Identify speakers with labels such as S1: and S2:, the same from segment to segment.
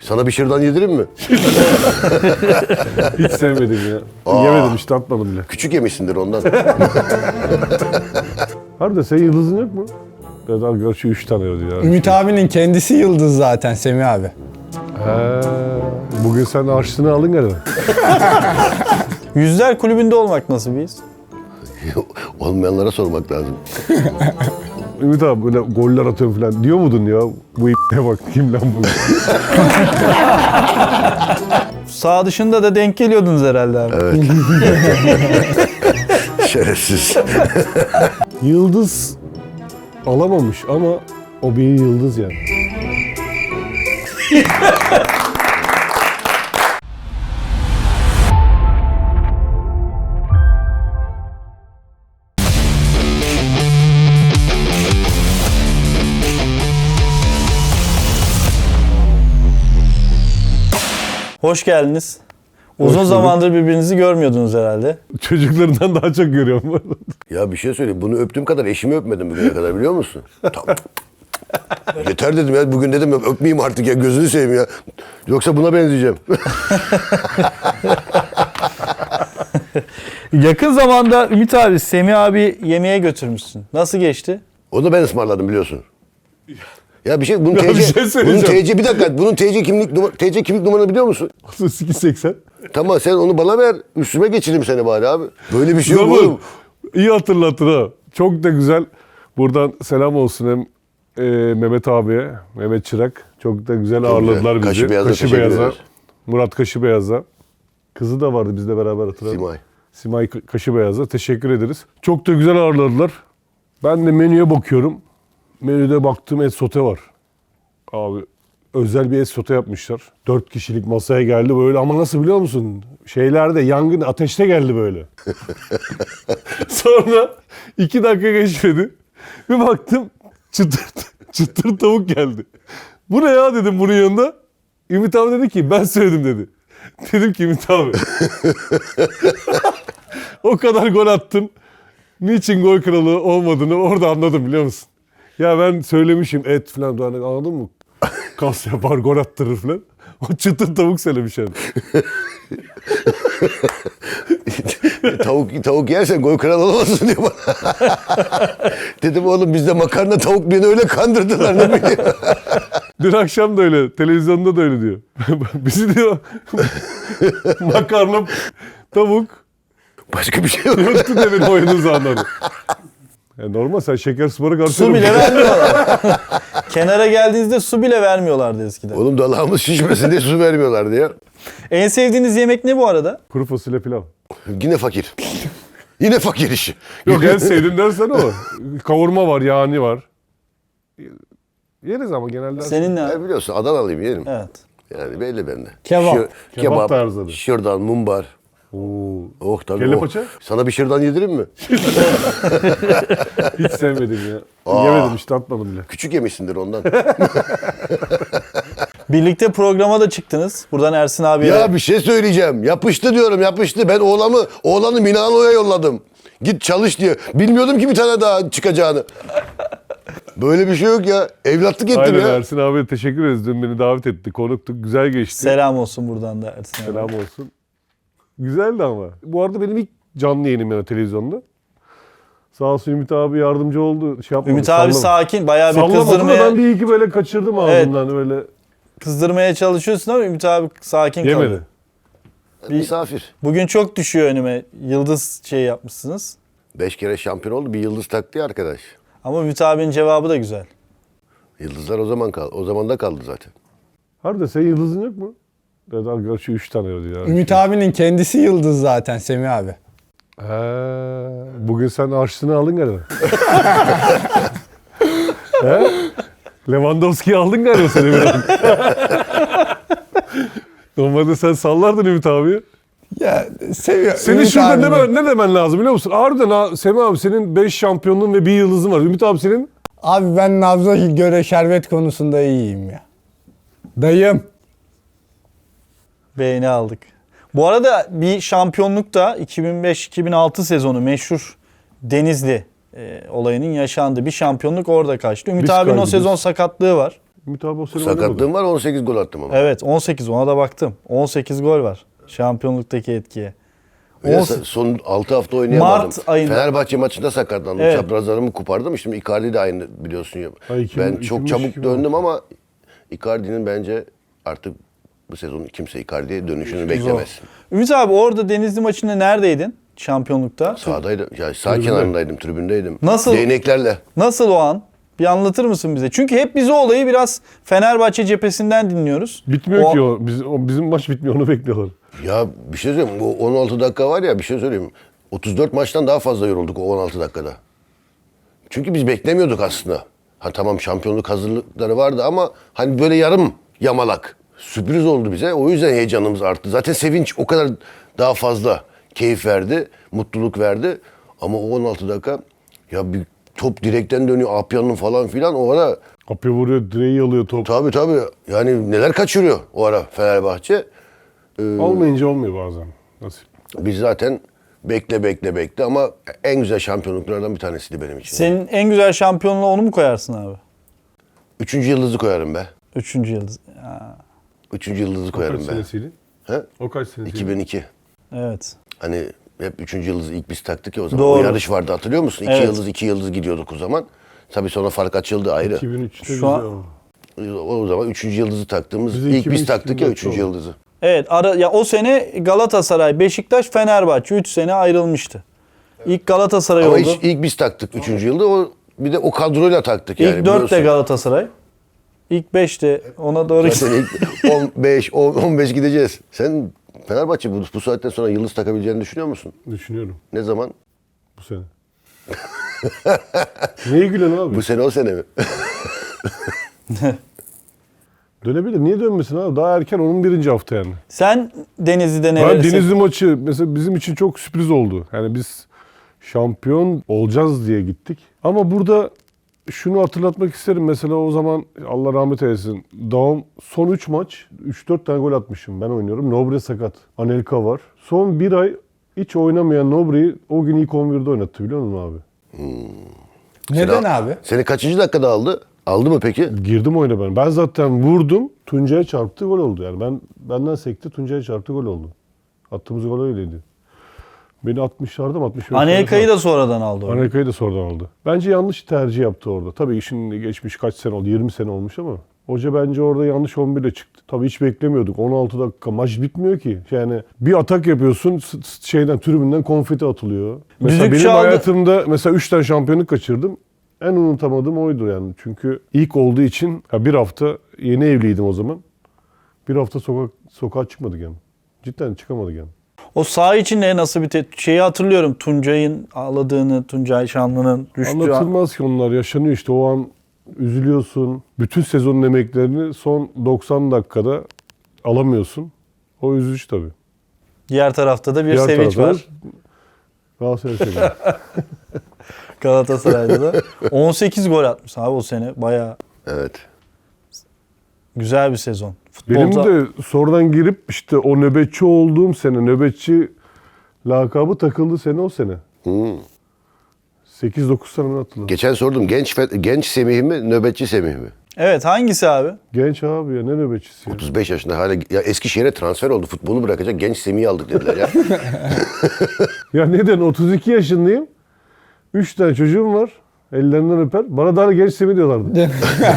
S1: Sana bir şırdan yedireyim mi?
S2: Hiç sevmedim ya. Yemedim işte, atmadım bile.
S1: Küçük yemişsindir ondan.
S2: Harbiden senin yıldızın yok mu? Evet arkadaş, şu 3 tane ödü ya.
S3: Ümit abinin kendisi yıldız zaten Semih abi.
S2: He, bugün sen harçlığını aldın galiba.
S4: Yüzler kulübünde olmak nasıl bir his?
S1: Olmayanlara sormak lazım.
S2: Ümit abi böyle goller atıyorum falan diyor muydun ya? Bu ne bak, kim lan bu?
S4: Sağ dışında da denk geliyordunuz herhalde abi.
S1: Evet. Şerefsiz.
S2: Yıldız alamamış ama o bir yıldız yani.
S4: Hoş geldiniz. Uzun
S2: bulduk.
S4: zamandır birbirinizi görmüyordunuz herhalde.
S2: Çocuklarından daha çok görüyorum bu arada.
S1: Ya bir şey söyleyeyim. Bunu öptüğüm kadar eşimi öpmedim bugüne kadar, biliyor musun? Tamam. Yeter dedim ya. Bugün dedim öpmeyeyim artık ya. Gözünü seveyim ya. Yoksa buna benzeyeceğim.
S4: Yakın zamanda Ümit abi, Semih abi yemeğe götürmüşsün. Nasıl geçti?
S1: Onu da ben ısmarladım, biliyorsun. Ya bir şey, bunun
S2: Ya bir
S1: TC,
S2: şey
S1: bunun
S2: söyleyeceğim.
S1: TC, bir dakika, bunun TC kimlik numaranı biliyor musun?
S2: 880.
S1: Tamam, sen onu bana ver, üstüme geçireyim seni bari abi. Böyle bir şey yok
S2: Zaman,
S1: oğlum.
S2: iyi hatırlatır ha. Çok da güzel. Buradan selam olsun hem Mehmet abiye, Mehmet Çırak. Çok da güzel ağırladılar bizi.
S1: Kaşıbeyaz'a teşekkür ederiz.
S2: Murat Kaşıbeyaz'a. Kızı da vardı bizle beraber, hatırladım.
S1: Simay.
S2: Simay Kaşıbeyaz'a teşekkür ederiz. Çok da güzel ağırladılar. Ben de menüye bakıyorum. Menüde baktım, et sote var. Abi özel bir et sote yapmışlar. 4 kişilik masaya geldi böyle, ama nasıl biliyor musun? Şeylerde yangın ateşte geldi böyle. Sonra 2 dakika geçmedi. Bir baktım çıtır tavuk geldi. Bu ne ya dedim bunun yanında. Ümit abi dedi ki ben söyledim dedi. Dedim ki Ümit abi. O kadar gol attın. Niçin gol kralı olmadığını orada anladım, biliyor musun? Ya ben söylemişim et falan, hani anladın mı? Kas yapar, gol attırır falan. O çıtır tavuk söylemiş yani.
S1: Tavuk yersen gol kralı olamazsın diyor bana. Dedim oğlum, bizde makarna tavuk, beni öyle kandırdılar, ne bileyim.
S2: Dün akşam da öyle, televizyonda da öyle diyor. Bizi diyor makarna, tavuk,
S1: Başka bir şey yok.
S2: yoktu demin oyununuzu anladı. Yani normal, sen şeker spora karşı...
S4: Su bile vermiyorlar. Kenara geldiğinizde su bile vermiyorlardı eskiden.
S1: Oğlum dalağımız şişmesin diye su vermiyorlardı ya.
S4: En sevdiğiniz yemek ne bu arada?
S2: Kuru fasulye pilav.
S1: Yine fakir. Yine fakir işi.
S2: Yok, en sevdiğin dersen o. Kavurma var, yağını var. Yeriz ama genelde.
S4: Senin ne?
S1: Ya biliyorsun, Adanalıyım, yerim.
S4: Evet.
S1: Yani belli bende.
S3: Kebap.
S2: Kebap tarzı.
S1: şırdan, mumbar.
S2: Oo.
S1: Oh tabii.
S2: Kelle
S1: oh.
S2: paça?
S1: Sana bir şırdan yedireyim mi?
S2: Hiç sevmedim ya. Yemedim işte, atmadım bile.
S1: Küçük yemişsindir ondan.
S4: Birlikte programa da çıktınız. Buradan Ersin abiye.
S1: Ya bir şey söyleyeceğim. Yapıştı diyorum, yapıştı. Ben oğlanı Milano'ya yolladım. Git çalış diye. Bilmiyordum ki bir tane daha çıkacağını. Böyle bir şey yok ya. Evlatlık ettim
S2: Aynen,
S1: ya.
S2: Ersin abiye teşekkür ederiz. Dün beni davet etti. Konuktuk. Güzel geçti.
S4: Selam olsun buradan da Ersin abi.
S2: Selam olsun. Güzeldi ama. Bu arada benim ilk canlı yayınım yani televizyonda. Sağ olsun Ümit abi yardımcı oldu. Şey yapmadı,
S4: Ümit abi
S2: sallamadı.
S4: sakin. Bayağı bir
S2: Sallamadı da
S4: kızdırmaya,
S2: ben bir iyi ki böyle kaçırdım ağzımdan öyle.
S4: kızdırmaya çalışıyorsun ama Ümit abi sakin
S2: Yemedi.
S4: kalıyor.
S1: Misafir.
S4: Bugün çok düşüyor önüme. Yıldız şey yapmışsınız.
S1: 5 kere şampiyon oldu. Bir yıldız taktı ya arkadaş.
S4: Ama Ümit abinin cevabı da güzel.
S1: Yıldızlar o zaman da kaldı zaten.
S2: Harbiden senin yıldızın yok mu? Evet arkadaş, şu 3 tane ödü ya.
S3: Ümit abinin kendisi yıldız zaten Semih abi.
S2: He, bugün sen harçlığını aldın galiba. He? Lewandowski'yi aldın galiba seni biraz. Normalde sen sallardın Ümit abiyi.
S3: Ya seviyor.
S2: Senin
S3: Ümit
S2: şurada
S3: abinin-
S2: ne demen lazım biliyor musun? Harbiden Semih abi, senin 5 şampiyonluğun ve 1 yıldızın var. Ümit abi senin?
S3: Abi ben nabza göre şerbet konusunda iyiyim ya. Dayım.
S4: Beğeni aldık. Bu arada bir şampiyonluk da 2005-2006 sezonu meşhur Denizli olayının yaşandığı bir şampiyonluk orada kaçtı. Ümit
S2: Biz
S4: abinin o
S2: kaybediyoruz.
S4: sezon sakatlığı var.
S2: Ümit abi o sene oynamadı.
S1: Sakatlığım var, 18 gol attım ama.
S4: Evet 18 ona da baktım. 18 gol var şampiyonluktaki etkiye.
S1: Ve
S4: 18
S1: son 6 hafta oynayamadım.
S4: Mart ayında.
S1: Fenerbahçe maçında sakatlandım.
S4: Evet.
S1: Çaprazlarımı kopardım. Şimdi Icardi de aynı biliyorsun.
S2: Ha, 2000
S1: Ben çok
S2: 2003,
S1: çabuk
S2: 2006.
S1: döndüm ama Icardi'nin bence artık bu sezon kimse Icardi'ye dönüşünü beklemez.
S4: Ümit abi orada Denizli maçında neredeydin şampiyonlukta?
S1: Sağdaydım. Ya sağ kenarındaydım, tribündeydim.
S4: Nasıl?
S1: Değneklerle.
S4: Nasıl o an? Bir anlatır mısın bize? Çünkü hep biz o olayı biraz Fenerbahçe cephesinden dinliyoruz.
S2: Bitmiyor ki o. Bizim maç bitmiyor, onu bekliyorlar.
S1: Ya bir şey söyleyeyim. Bu 16 dakika var ya, bir şey söyleyeyim. 34 maçtan daha fazla yorulduk o 16 dakikada. Çünkü biz beklemiyorduk aslında. Ha tamam, şampiyonluk hazırlıkları vardı ama hani böyle yarım yamalak. Sürpriz oldu bize. O yüzden heyecanımız arttı. Zaten sevinç o kadar daha fazla keyif verdi, mutluluk verdi. Ama o 16 dakika ya bir top direkten dönüyor, Apya'nın falan filan o ara
S2: Kapıya vuruyor, direği alıyor top.
S1: tabii yani neler kaçırıyor o ara Fenerbahçe.
S2: Olmayınca olmuyor bazen. Nasıl?
S1: Biz zaten bekle ama en güzel şampiyonluklardan bir tanesiydi benim için.
S4: Senin en güzel şampiyonluğa onu mu koyarsın abi?
S1: 3. yıldızı koyarım be.
S4: 3. yıldız. Ha,
S1: 3. yıldızı
S2: O kaç
S1: koyarım be.
S2: senesiydi?
S1: He?
S2: O kaç senesiydi?
S1: 2002.
S4: evet.
S1: Hani hep 3. yıldızı ilk biz taktık ya o zaman.
S4: Doğru.
S1: O yarış vardı, hatırlıyor musun? 2
S4: Evet.
S1: yıldız 2 yıldız gidiyorduk o zaman. Tabii sonra fark açıldı ayrı.
S2: 2003'te
S4: Şu
S2: güzel
S4: an-
S2: oldu.
S1: O zaman 3. yıldızı taktığımız
S2: Bize
S1: ilk biz
S2: 2003
S1: taktık ya 3.
S2: 2004 oldu.
S1: yıldızı.
S4: Evet ya o sene Galatasaray, Beşiktaş, Fenerbahçe 3 sene ayrılmıştı. İlk Galatasaray
S1: Ama
S4: oldu.
S1: ilk biz taktık 3. yılda. O bir de o kadroyla taktık yani.
S4: İlk 4 de
S1: biliyorsun.
S4: Galatasaray. İlk 5 de ona doğru
S1: Zaten ilk 15 15 gideceğiz. Sen Fenerbahçe bu saatten sonra yıldız takabileceğini düşünüyor musun?
S2: Düşünüyorum
S1: Ne zaman?
S2: bu sene. Neye gülüyorsun abi?
S1: Bu sene o sene mi?
S2: Dönebilir. Niye dönmesin abi? Daha erken, onun birinci hafta yani.
S4: Sen Denizli'de
S2: Ben
S4: neresin?
S2: Denizli maçı mesela bizim için çok sürpriz oldu. Yani biz şampiyon olacağız diye gittik. Ama burada şunu hatırlatmak isterim. Mesela o zaman Allah rahmet eylesin. Daum son 3 maç 3-4 tane gol atmışım. Ben oynuyorum. Nobre sakat. Anelka var. Son bir ay hiç oynamayan Nobre'yi o gün ilk 11'de oynattı, biliyor musun abi?
S3: Neden abi?
S1: Seni kaçıncı dakikada aldı? Aldı mı peki?
S2: Girdim oyuna ben. Ben zaten vurdum. Tuncay'a çarptı, gol oldu. Yani benden sekti, Tuncay'a çarptı, gol oldu. Attığımız gol öyleydi. Beni 60'larda mı 65'lerde
S4: Anelka'yı da sonradan aldı. orada.
S2: Anelka'yı da sonradan aldı. Bence yanlış tercih yaptı orada. Tabii şimdi geçmiş kaç sene oldu? 20 sene olmuş ama hoca bence orada yanlış 11'le çıktı. Tabii hiç beklemiyorduk. 16 dakika maç bitmiyor ki. Yani bir atak yapıyorsun, tribünden konfeti atılıyor. Mesela
S4: Düdük
S2: benim
S4: çaldı.
S2: hayatımda mesela 3 tane şampiyonluk kaçırdım. En unutamadığım oydu yani. Çünkü ilk olduğu için ya bir hafta, yeni evliydim o zaman. Bir hafta sokağa çıkmadık yani. Cidden çıkamadık yani.
S4: O saha içinde nasıl bir şeyi hatırlıyorum. Tuncay'ın ağladığını, Tuncay Şanlı'nın düştüğü an.
S2: Anlatılmaz ki, onlar yaşanıyor işte, o an üzülüyorsun. Bütün sezonun emeklerini son 90 dakikada alamıyorsun. O üzücü tabii.
S4: Diğer tarafta da bir
S2: Diğer
S4: sevinç
S2: tarafta
S4: var.
S2: Galatasaray sevinci.
S4: Galatasaray'da da. 18 gol atmış abi o sene. Bayağı
S1: Evet.
S4: güzel bir sezon.
S2: Benim
S4: Futbolda
S2: de sonradan girip işte o nöbetçi olduğum sene, nöbetçi lakabı takıldı sene o sene. 8-9 sene hatırladım.
S1: Geçen sordum, genç Semih mi, nöbetçi Semih mi?
S4: Evet hangisi abi?
S2: Genç abi ya, ne nöbetçisi ya.
S1: 35 yaşında hala ya Eskişehir'e transfer oldu. Futbolu bırakacak genç Semih'i aldık dediler ya.
S2: Ya neden? 32 yaşındayım. 3 tane çocuğum var. Ellerinden öper. Bana daha genç Semih diyorlardı.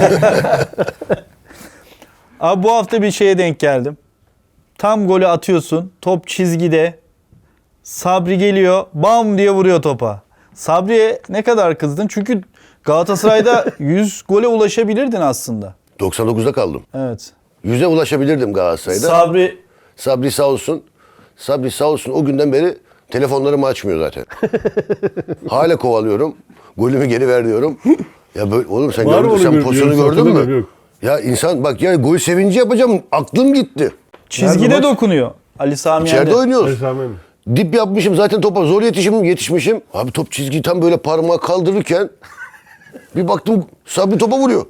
S4: Abi bu hafta bir şeye denk geldim. Tam golü atıyorsun. Top çizgide. Sabri geliyor. Bam diye vuruyor topa. Sabri'ye ne kadar kızdın? Çünkü Galatasaray'da 100 gole ulaşabilirdin aslında.
S1: 99'da kaldım.
S4: Evet.
S1: 100'e ulaşabilirdim Galatasaray'da.
S4: Sabri
S1: Sabri sağ olsun o günden beri telefonlarımı açmıyor zaten. Hala kovalıyorum. Golümü geri ver diyorum. Ya böyle, oğlum sen
S2: Var mı
S1: gördün,
S2: onun
S1: sen pozisyonu
S2: görüntüsü?
S1: gördün mü?
S2: Hatırlamıyorum, yok.
S1: Ya insan bak ya, gol sevinci yapacağım, aklım gitti.
S4: çizgide
S2: Nerede maç?
S4: dokunuyor. Ali Sami
S1: İçeride
S4: Yen'de.
S1: oynuyoruz.
S2: Esamen.
S1: Dip yapmışım zaten, topa zor yetişmişim. Abi top çizgiyi tam böyle parmağı kaldırırken bir baktım Sabri topa vuruyor.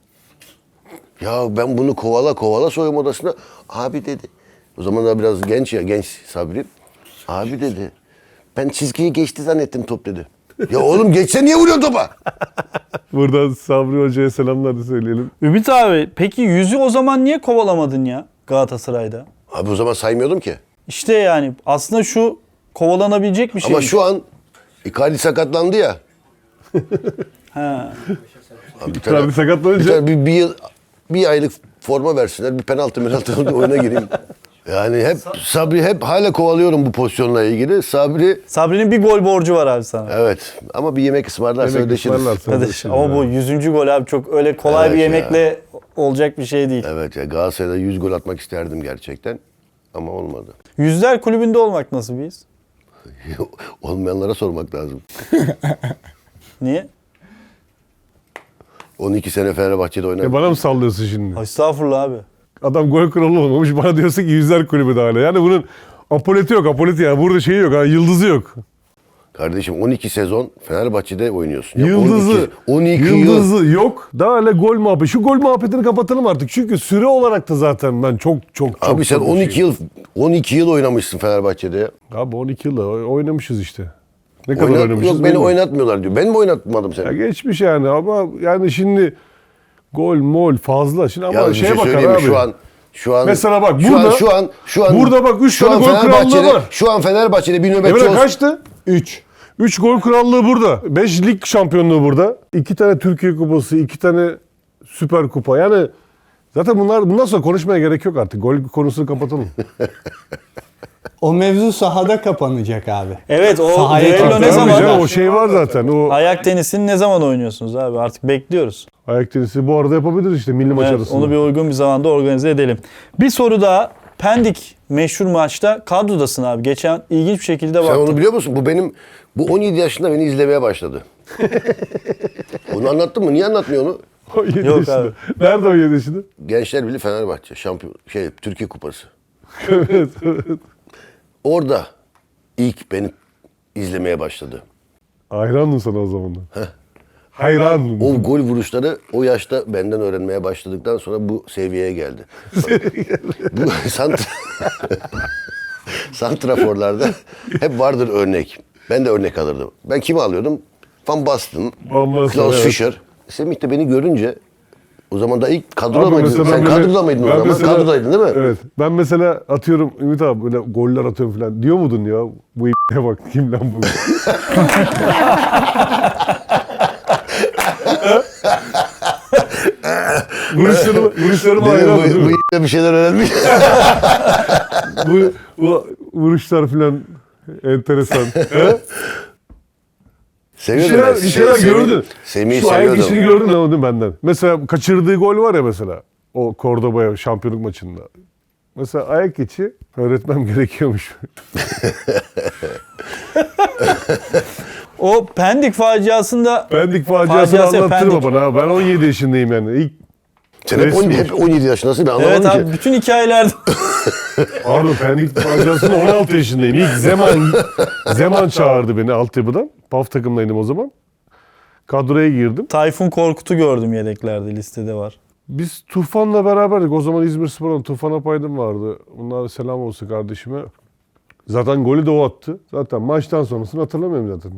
S1: Ya ben bunu kovala soyunma odasına. Abi dedi. O zaman da biraz genç Sabri. Abi dedi. Ben çizgiyi geçti zannettim top dedi. Ya oğlum geçse niye vuruyorsun topa?
S2: Buradan Sabri Hoca'ya selamlar da söyleyelim.
S4: Ümit abi peki yüzü o zaman niye kovalamadın ya Galatasaray'da?
S1: Abi o zaman saymıyordum ki.
S4: İşte yani aslında şu kovalanabilecek bir şey.
S1: Ama şu an Icardi sakatlandı ya.
S4: Ha.
S1: Abi bir
S2: Icardi sakatlanınca-
S1: bir, tane bir aylık forma versinler. Bir penaltı oyuna gireyim. Yani hep Sabri hep hala kovalıyorum bu pozisyonla ilgili.
S4: Sabri'nin bir gol borcu var abi sana.
S1: Evet ama bir yemek ısmarlarsa
S2: Yemek
S1: ödeşiriz.
S2: ısmarlarsa.
S4: Arkadaş,
S2: Ödeşiriz
S4: ama bu 100. gol abi çok öyle kolay
S1: Evet
S4: bir
S1: ya.
S4: yemekle olacak bir şey değil.
S1: Evet ya Galatasaray'da 100 gol atmak isterdim gerçekten. Ama olmadı.
S4: Yüzler kulübünde olmak nasıl bir his?
S1: Olmayanlara sormak lazım.
S4: Niye?
S1: 12 sene Fenerbahçe'de oynadım.
S2: Bana mı sallıyorsun şimdi?
S4: Estağfurullah abi.
S2: Adam gol kralı olmamış. Bana diyorsun ki yüzler kulübü de hala. Yani bunun apoleti yok. Apoleti yani. Burada şeyi yok. Yani yıldızı yok.
S1: Kardeşim 12 sezon Fenerbahçe'de oynuyorsun. Ya
S2: Yıldızı.
S1: 12 yıl.
S2: Yıldızı yok. Daha hala gol muhabbeti. Şu gol muhabbetini kapatalım artık. Çünkü süre olarak da zaten ben çok
S1: Abi sen
S2: çok
S1: 12 yıl oynamışsın Fenerbahçe'de ya.
S2: Abi 12 yılda oynamışız işte. Ne kadar oynamışız?
S1: Yok beni
S2: bilmiyorum.
S1: oynatmıyorlar diyor. Ben mi oynatmadım
S2: Ya
S1: seni?
S2: geçmiş yani ama yani şimdi gol mol fazla. Şimdi ama
S1: Ya bir
S2: şeye
S1: şey
S2: bakar
S1: söyleyeyim mi?
S2: abi.
S1: Şu an
S2: Mesela bak
S1: şu
S2: burada-
S1: an
S2: burada bak üç
S1: şu
S2: tane
S1: an
S2: gol krallığı
S1: Fenerbahçe'de-
S2: var.
S1: Şu an Fenerbahçe'de bir nöbetçi
S2: Emre
S1: olsun.
S2: kaçtı?
S3: 3.
S2: 3 gol krallığı burada. 5 lig şampiyonluğu burada. 2 tane Türkiye kupası, 2 tane Süper Kupa. Yani zaten bundan sonra konuşmaya gerek yok artık. Gol konusunu kapatalım.
S3: O mevzu sahada kapanacak abi.
S4: Evet o
S3: Sahaya
S4: düello
S3: çıktı.
S4: ne
S2: Tabii
S4: zaman?
S2: canım, o şey var zaten. O
S4: Ayak tenisini ne zaman oynuyorsunuz abi? Artık bekliyoruz.
S2: ayak tenisi bu arada yapabiliriz işte milli maç
S4: Evet,
S2: arasında.
S4: onu bir uygun bir zamanda organize edelim. Bir soru daha. Pendik meşhur maçta kadrodasın abi. Geçen ilginç bir şekilde
S1: Sen
S4: baktım.
S1: onu biliyor musun? Bu 17 yaşında beni izlemeye başladı. Onu anlattın mı? Niye anlatmıyor onu?
S2: 17
S4: Yok
S2: yaşında.
S4: abi.
S2: Nerede 17 yaşında?
S1: Gençler Birliği Fenerbahçe şampiyon Türkiye Kupası.
S2: Evet.
S1: Orada ilk beni izlemeye başladı.
S2: Hayrandım sana o zaman da. Hayrandım.
S1: O gol vuruşları o yaşta benden öğrenmeye başladıktan sonra bu seviyeye geldi. Bu santraforlarda hep vardır örnek. Ben de örnek alırdım. Ben kimi alıyordum? Van Basten,
S2: Van Basten,
S1: Klaus
S2: evet.
S1: Fischer. Semih de beni görünce o zaman da ilk kadroda
S2: Abi
S1: mıydın?
S2: mesela
S1: Sen
S2: ben böyle-
S1: kadroda mıydın o
S2: ben
S1: zaman?
S2: mesela-
S1: Kadrodaydın değil mi?
S2: Evet. Ben mesela atıyorum Ümit abi böyle goller atıyorum falan. Diyor muydun ya? Bu ne bak kim lan bu? Vuruşlarıma hayrandım.
S1: Bu bir şeyler öğrenmiş.
S2: bu vuruşlar falan enteresan. He?
S1: Seviyordum ben.
S2: Bir şeyler gördün.
S1: Semih'i
S2: Şu ayak işini
S1: seviyordum.
S2: gördün ama değil mi benden? Mesela kaçırdığı gol var ya mesela. O Cordoba'ya şampiyonluk maçında. Mesela ayak içi öğretmem gerekiyormuş.
S4: O Pendik faciasında
S2: Pendik faciasını
S4: Faciası
S2: anlattırma
S4: Pendik.
S2: bana. Ben 17 yaşındayım yani. İlk
S1: Sen hep,
S2: resmi.
S1: hep 17 yaşındasın ben anlamadım
S4: evet
S1: ki.
S4: abi bütün hikayelerde
S2: Pardon Pendik faciasında 16 yaşındayım. İlk Zeman çağırdı beni altyapıdan. PAF takımdaydım o zaman. Kadroya girdim.
S4: Tayfun Korkut'u gördüm yedeklerde listede var.
S2: Biz Tufan'la beraberdik. O zaman İzmirspor'un Tufan Apaydın vardı. Bunlara selam olsun kardeşime. Zaten golü de o attı. Zaten maçtan sonrasını hatırlamıyorum zaten.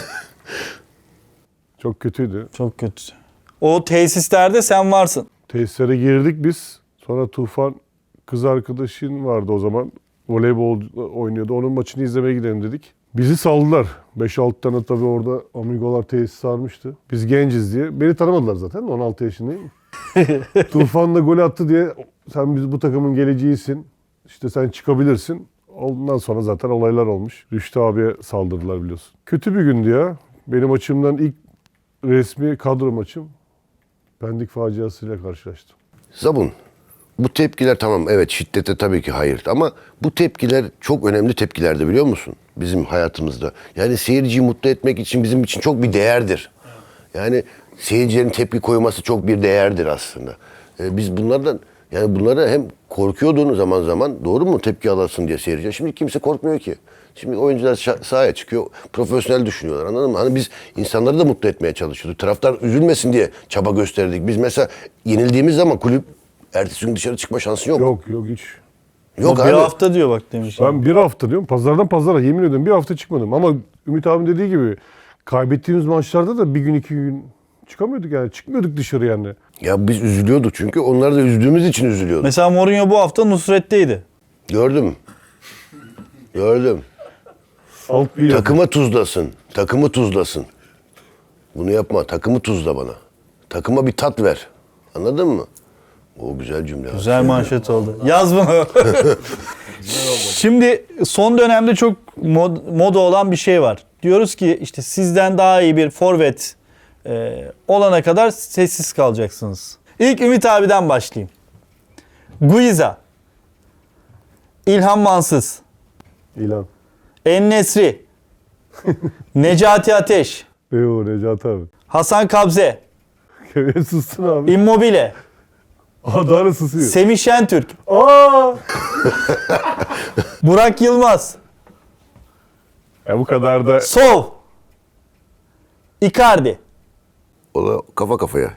S2: Çok kötüydü.
S4: Çok kötü. O tesislerde sen varsın.
S2: Tesislere girdik biz. Sonra Tufan kız arkadaşın vardı o zaman. Voleybol oynuyordu. Onun maçını izlemeye gidelim dedik. Bizi saldılar. 5-6 tane tabii orada amigolar tesis sarmıştı. Biz genciz diye. Beni tanımadılar zaten. 16 yaşındayım. Tufan da gol attı diye sen biz bu takımın geleceğisin. İşte sen çıkabilirsin. Ondan sonra zaten olaylar olmuş. Rüştü abiye saldırdılar biliyorsun. Kötü bir gündü ya. Benim açımdan ilk resmi kadro maçım Pendik faciasıyla karşılaştım.
S1: Zabun, bu tepkiler tamam evet şiddete tabii ki hayır ama bu tepkiler çok önemli tepkilerdi biliyor musun? Bizim hayatımızda. Yani seyirciyi mutlu etmek için bizim için çok bir değerdir. Yani seyircilerin tepki koyması çok bir değerdir aslında. Biz bunlardan yani bunlara hem korkuyordun zaman zaman doğru mu tepki alasın diye seyirci. Şimdi kimse korkmuyor ki. Şimdi oyuncular sahaya çıkıyor, profesyonel düşünüyorlar anladın mı? Hani biz insanları da mutlu etmeye çalışıyorduk. Taraftar üzülmesin diye çaba gösterdik. Biz mesela yenildiğimiz zaman kulüp ertesi gün dışarı çıkma şansın yok.
S2: Yok hiç.
S1: Yok
S4: O
S1: abi.
S4: bir hafta diyor bak demiş.
S2: Ben bir hafta diyorum pazardan pazara yemin ediyorum bir hafta çıkmadım. Ama Ümit abim dediği gibi kaybettiğimiz maçlarda da bir gün 2 gün çıkamıyorduk yani. Çıkmıyorduk dışarı yani.
S1: Ya biz üzülüyorduk çünkü onlar da üzdüğümüz için üzülüyorduk.
S4: Mesela Mourinho bu hafta Nusret'teydi.
S1: Gördüm. Gördüm.
S2: Alt bir
S1: Takıma tuzlasın. Takımı tuzlasın. Bunu yapma. Takımı tuzla bana. Takıma bir tat ver. Anladın mı? O güzel cümle.
S4: Güzel manşet oldu. Yaz bunu. Şimdi son dönemde çok moda olan bir şey var. Diyoruz ki işte sizden daha iyi bir forvet olana kadar sessiz kalacaksınız. İlk Ümit abiden başlayayım. Guiza, İlhan Mansız,
S2: İlan.
S4: En-Nesyri, Necati Ateş,
S2: Eyvallah Necati abi.
S4: Hasan Kabze,
S2: Kevye sussun abi.
S4: Immobile,
S2: Daha da susuyor.
S4: Semih Şentürk,
S2: Aa!
S4: Burak Yılmaz,
S2: Ya bu kadar da
S4: Sov, Icardi.
S1: O da kafa kafaya.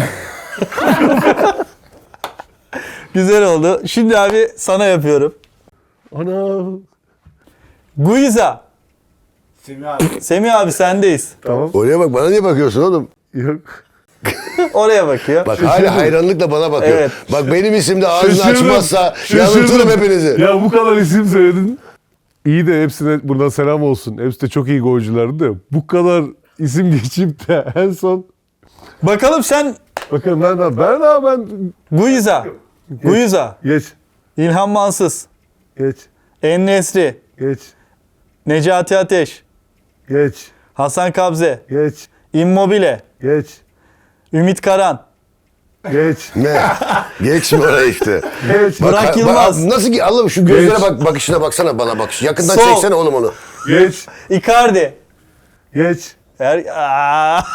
S4: Güzel oldu. Şimdi abi sana yapıyorum.
S2: ana.
S4: Guiza. Semih abi sendeyiz.
S2: Tamam.
S1: Oraya bak. Bana niye bakıyorsun oğlum?
S2: Yok.
S4: Oraya bakıyor.
S1: Bak hala hayranlıkla bana bakıyor.
S4: Evet.
S1: Bak benim isim de ağzını
S2: Şaşırdım.
S1: açmazsa
S2: Şaşırdım.
S1: yanıltırım hepinizi.
S2: Ya bu kadar isim söyledin. İyi de hepsine buradan selam olsun. Hepsi de çok iyi golcülerdi de. Bu kadar isim geçip de en son
S4: Bakalım sen
S2: bakın ben
S4: Guiza. Guiza.
S2: geç
S4: İlhan Mansız.
S2: geç
S4: En-Nesyri.
S2: geç
S4: Necati Ateş.
S2: geç
S4: Hasan Kabze.
S2: geç
S4: Immobile.
S2: geç
S4: Ümit Karan.
S2: geç
S1: Ne? Geçme oraya işte.
S2: geç
S4: Burak Yılmaz.
S1: Nasıl ki Allah'ım şu gözlere
S2: Geç.
S1: bak, bakışına baksana bana bak. Yakından
S4: Sol.
S1: çeksene oğlum onu.
S2: geç
S4: Icardi.
S2: geç.
S4: Aa!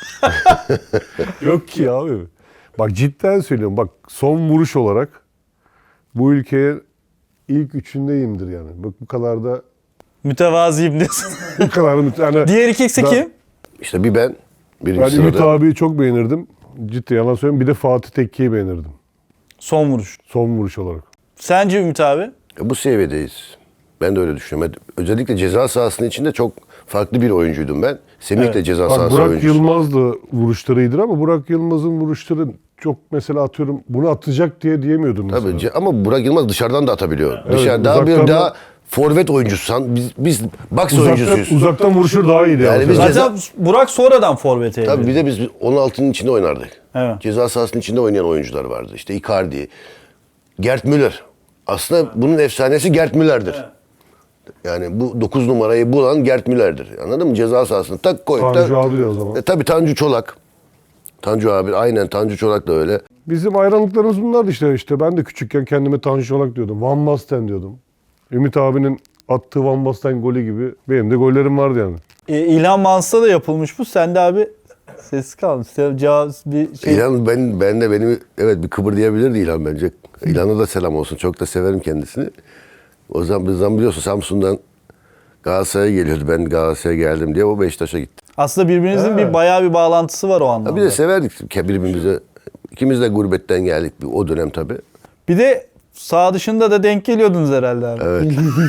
S2: Yok ki abi. Bak cidden söylüyorum. Bak son vuruş olarak bu ülkeye ilk üçündeyimdir yani. Bak bu kadar da
S4: Mütevazıyım diyorsun.
S2: bu kadar yani
S4: Diğer ikisi
S2: Da-
S4: kim?
S1: İşte bir ben.
S2: ben
S1: Birinci
S2: Ümit
S1: sırada.
S2: abiyi çok beğenirdim. Ciddi yalan söylüyorum. Bir de Fatih Tekke'yi beğenirdim.
S4: Son vuruş.
S2: Son vuruş olarak.
S4: Sence Ümit abi?
S1: Bu seviyedeyiz. Ben de öyle düşünüyorum. Özellikle ceza sahasının içinde çok farklı bir oyuncuydum ben. Semih
S4: Evet.
S1: de ceza
S2: Bak
S1: sahası
S2: Burak
S1: oyuncusu.
S2: Yılmaz da vuruşları iyidir ama Burak Yılmaz'ın vuruşları çok mesela atıyorum bunu atacak diye diyemiyordum mesela.
S1: Tabii ama Burak Yılmaz dışarıdan da atabiliyor.
S2: Evet,
S1: Dışarı daha
S2: uzaktan
S1: daha
S2: da-
S1: forvet oyuncusu. Biz box oyuncusuyuz.
S2: Uzaktan vuruşu daha iyiydi.
S1: Yani
S2: Yani
S1: biz-
S4: Zaten Burak sonradan forvete
S1: Tabii
S4: evrildi.
S1: bir de biz 16'nın içinde oynardık.
S4: Evet.
S1: Ceza sahasının içinde oynayan oyuncular vardı. İşte Icardi, Gerd Müller. Aslında bunun efsanesi Gerd Müller'dir. Yani bu 9 numarayı bulan Gerd Müller'dir. Anladın mı? Ceza sahasını tak koyup
S2: Tanju
S1: da...
S2: abi de o zaman.
S1: Tabii Tanju Çolak. Tanju abi aynen Tanju Çolak da öyle.
S2: Bizim hayranlıklarımız bunlardı işte. Ben de küçükken kendime Tanju Çolak diyordum. Van Basten diyordum. Ümit abinin attığı Van Basten golü gibi benim de gollerim vardı yani.
S4: İlhan Mansız'a da yapılmış bu. Sen de abi sessiz kaldın. Sen cevap bir şey.
S1: İlhan ben de beni evet bir kıpırdayabilirdi İlhan bence. İlhan'a da selam olsun. Çok da severim kendisini. O zaman biliyorsun Samsun'dan Galatasaray'a geliyordu. Ben Galatasaray'a geldim diye o Beşiktaş'a gitti.
S4: Aslında birbirinizin bir bayağı bir bağlantısı var o anlamda.
S1: Bir de severdik birbirimize. İkimiz de gurbetten geldik o dönem tabii.
S4: Bir de sağ dışında da denk geliyordunuz herhalde abi.
S1: Evet.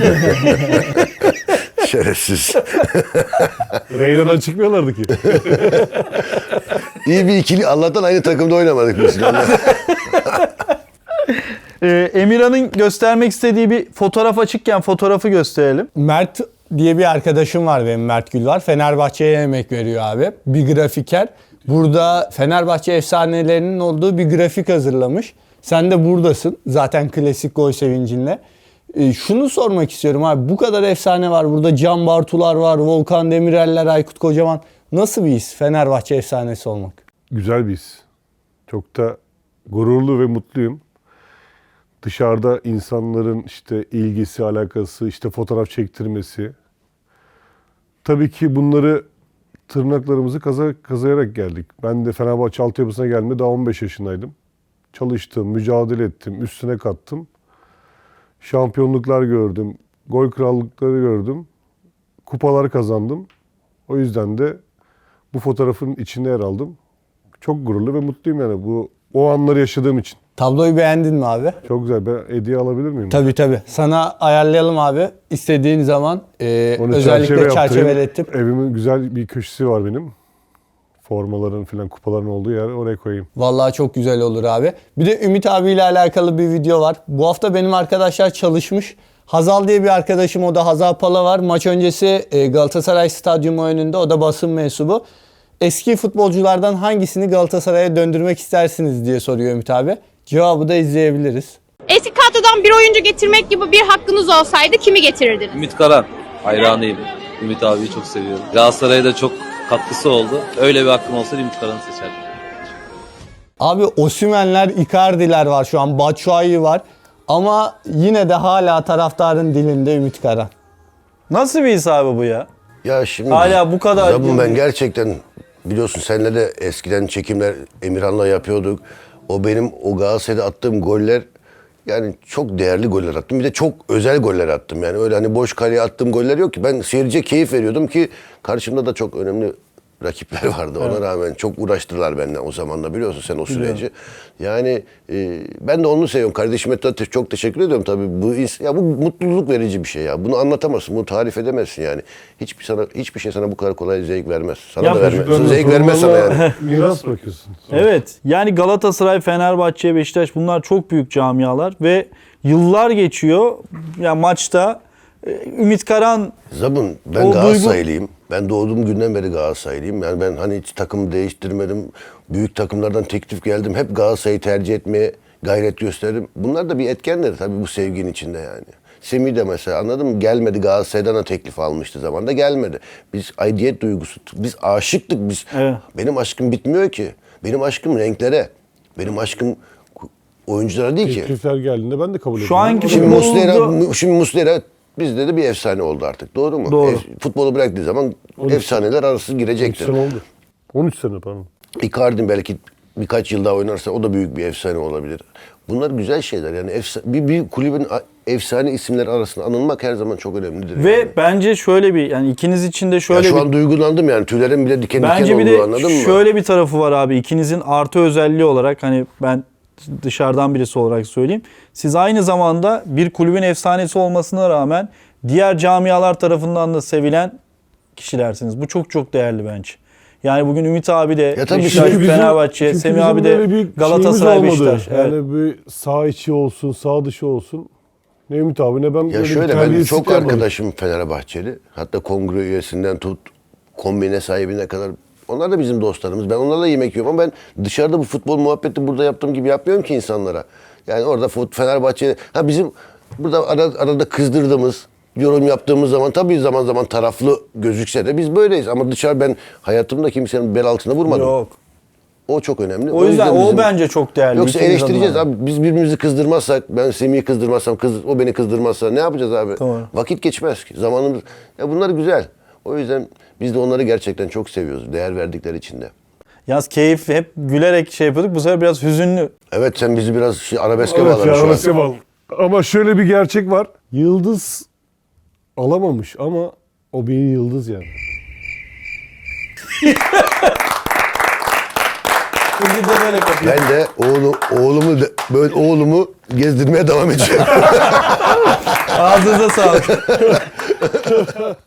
S1: Şerefsiz.
S2: Reyna'dan çıkmıyorlardı ki.
S1: İyi bir ikili. Allah'tan aynı takımda oynamadık biz.
S4: Emirhan'ın göstermek istediği bir fotoğraf açıkken fotoğrafı gösterelim.
S3: Mert diye bir arkadaşım var benim, Mert Gül var. Fenerbahçe'ye emek veriyor abi. Bir grafiker. Burada Fenerbahçe efsanelerinin olduğu bir grafik hazırlamış. Sen de buradasın. Zaten klasik gol sevincinle. Şunu sormak istiyorum abi. Bu kadar efsane var. Burada Can Bartular var, Volkan Demireller, Aykut Kocaman. Nasıl bir his Fenerbahçe efsanesi olmak?
S2: Güzel bir his. Çok da gururlu ve mutluyum. Dışarıda insanların işte ilgisi, alakası, işte fotoğraf çektirmesi. Tabii ki bunları tırnaklarımızı kazıyarak geldik. Ben de Fenerbahçe altyapısına geldiğimde daha 15 yaşındaydım. Çalıştım, mücadele ettim, üstüne kattım. Şampiyonluklar gördüm, gol krallıkları gördüm. Kupalar kazandım. O yüzden de bu fotoğrafın içinde yer aldım. Çok gururlu ve mutluyum yani o anları yaşadığım için.
S3: Tabloyu beğendin mi abi?
S2: Çok güzel. Ben hediye alabilir miyim?
S3: Tabii. Sana ayarlayalım abi. İstediğin zaman
S2: Onu
S3: özellikle
S2: çerçeve
S3: çerçeveletip.
S2: Evimin güzel bir köşesi var benim. Formaların falan kupaların olduğu yer, oraya koyayım.
S3: Vallahi çok güzel olur abi. Bir de Ümit abiyle alakalı bir video var. Bu hafta benim arkadaşlar çalışmış. Hazal diye bir arkadaşım, o da Hazal Pala var. Maç öncesi Galatasaray Stadyumu önünde, o da basın mensubu. Eski futbolculardan hangisini Galatasaray'a döndürmek istersiniz diye soruyor Ümit abi. Cevabı da izleyebiliriz.
S5: Eski kadrodan bir oyuncu getirmek gibi bir hakkınız olsaydı kimi getirirdiniz?
S6: Ümit Karan hayranıyım. Ümit abiyi çok seviyorum. Galatasaray'a da çok katkısı oldu. Öyle bir hakkım olsaydı Ümit Karan'ı seçerdim.
S3: Abi Osimhen'ler, Icardi'ler var şu an. Batshuayi var. Ama yine de hala taraftarın dilinde Ümit Karan.
S4: Nasıl bir his abi bu ya?
S1: Ya şimdi
S4: Hala bu kadar-
S1: Zabun, ben gerçekten biliyorsun seninle de eskiden çekimler Emirhan'la yapıyorduk. O benim o Galatasaray'da attığım goller, yani çok değerli goller attım. Bir de çok özel goller attım. Yani öyle hani boş kaleye attığım goller yok ki. Ben seyirciye keyif veriyordum ki karşımda da çok önemli rakipler vardı. Ona rağmen çok uğraştılar benden o zaman da, biliyorsun sen o süreci. Yani ben de onu seviyorum. Kardeşime de çok teşekkür ediyorum tabii. Bu mutluluk verici bir şey ya. Bunu anlatamazsın, bunu tarif edemezsin yani. Hiçbir şey sana bu kadar kolay zevk vermez. Sana
S4: Ya
S1: da vermez.
S2: Çocuklarına,
S1: Zevk vermez sana yani.
S2: torunlarına miras bırakıyorsun.
S4: Evet. Yani Galatasaray, Fenerbahçe, Beşiktaş, bunlar çok büyük camialar ve yıllar geçiyor. Ya maçta Ümit Karan
S1: Zabun, ben
S4: O
S1: Galatasaraylıyım. Ben doğduğum günden beri Galatasaraylıyım. Yani ben hani hiç takım değiştirmedim. Büyük takımlardan teklif geldim. Hep Galatasaray'ı tercih etmeye gayret gösterdim. Bunlar da bir etkenleri tabii bu sevginin içinde yani. Semih de mesela, anladın mı? Gelmedi, Galatasaray'dan da teklif almıştı zamanında, gelmedi. Biz aidiyet duygusu, biz aşıktık biz.
S4: Evet.
S1: Benim aşkım bitmiyor ki. Benim aşkım renklere. Benim aşkım oyunculara değil ki.
S2: Teklifler geldiğinde ben de kabul ediyorum.
S4: Şu anki
S1: Şimdi
S4: futbolda-
S1: Muslera bizde de bir efsane oldu artık. Doğru mu?
S4: Doğru.
S1: Futbolu bıraktığı zaman
S2: 13
S1: efsaneler arası
S2: 13
S1: girecektir.
S2: sene oldu. 13 sene pardon.
S1: Icardi belki birkaç yıl daha oynarsa o da büyük bir efsane olabilir. Bunlar güzel şeyler. Yani bir kulübün efsane isimler arasında anılmak her zaman çok önemlidir.
S4: ve
S1: yani.
S4: bence şöyle bir, yani ikiniz için de
S1: Ya
S4: şöyle
S1: şu
S4: bir,
S1: an duygulandım yani. Tüylerim bile diken diken
S4: bence bir
S1: oldu, anladın
S4: de
S1: mı?
S4: şöyle bir tarafı var abi. İkinizin artı özelliği olarak, hani ben dışarıdan birisi olarak söyleyeyim. Siz aynı zamanda bir kulübün efsanesi olmasına rağmen diğer camialar tarafından da sevilen kişilersiniz. Bu çok çok değerli bence. Yani bugün Ümit abi de
S1: Ya tabii
S4: Beşiktaş,
S1: çünkü
S4: Fenerbahçe,
S2: çünkü
S4: Semih
S2: bizim
S4: abi
S2: böyle bir
S4: de
S2: şeyimiz
S4: Galatasaray,
S2: olmadı.
S4: Beşiktaş. Evet.
S2: Yani bir sağ içi olsun, sağ dışı olsun. Ne Ümit abi ne ben
S1: Ya
S2: böyle bir
S1: şöyle, ben
S2: terbiyesizlik
S1: çok
S2: yapmadım.
S1: arkadaşım Fenerbahçeli. Hatta kongre üyesinden tut, kombine sahibine kadar. Onlar da bizim dostlarımız. Ben onlarla yemek yiyorum ama ben dışarıda bu futbol muhabbeti burada yaptığım gibi yapmıyorum ki insanlara. Yani orada Fenerbahçe, bizim burada arada kızdırdığımız, yorum yaptığımız zaman tabii zaman zaman taraflı gözükse de biz böyleyiz. Ama dışarı ben hayatımda kimsenin bel altına vurmadım.
S4: Yok.
S1: O çok önemli.
S4: O yüzden
S1: bizim-
S4: o bence çok değerli.
S1: Yoksa
S4: İkiniz
S1: eleştireceğiz
S4: adına.
S1: abi. Biz birbirimizi kızdırmazsak, ben Semih'i kızdırmazsam, o beni kızdırmazsa ne yapacağız abi?
S4: Doğru.
S1: Vakit geçmez ki. Zamanımız... Ya bunlar güzel. O yüzden biz de onları gerçekten çok seviyoruz. Değer verdikleri için de.
S4: Yalnız keyif, hep gülerek şey yapıyorduk. Bu sefer biraz hüzünlü.
S1: Evet, sen bizi biraz arabeske
S2: Evet
S1: bağladın
S2: ya,
S1: şu an.
S2: arası var. Ama şöyle bir gerçek var. Yıldız alamamış ama o bir yıldız yani.
S4: Şimdi de böyle kapıyor.
S1: Ben de oğlumu gezdirmeye devam edeceğim.
S4: Ağzınıza sağlık.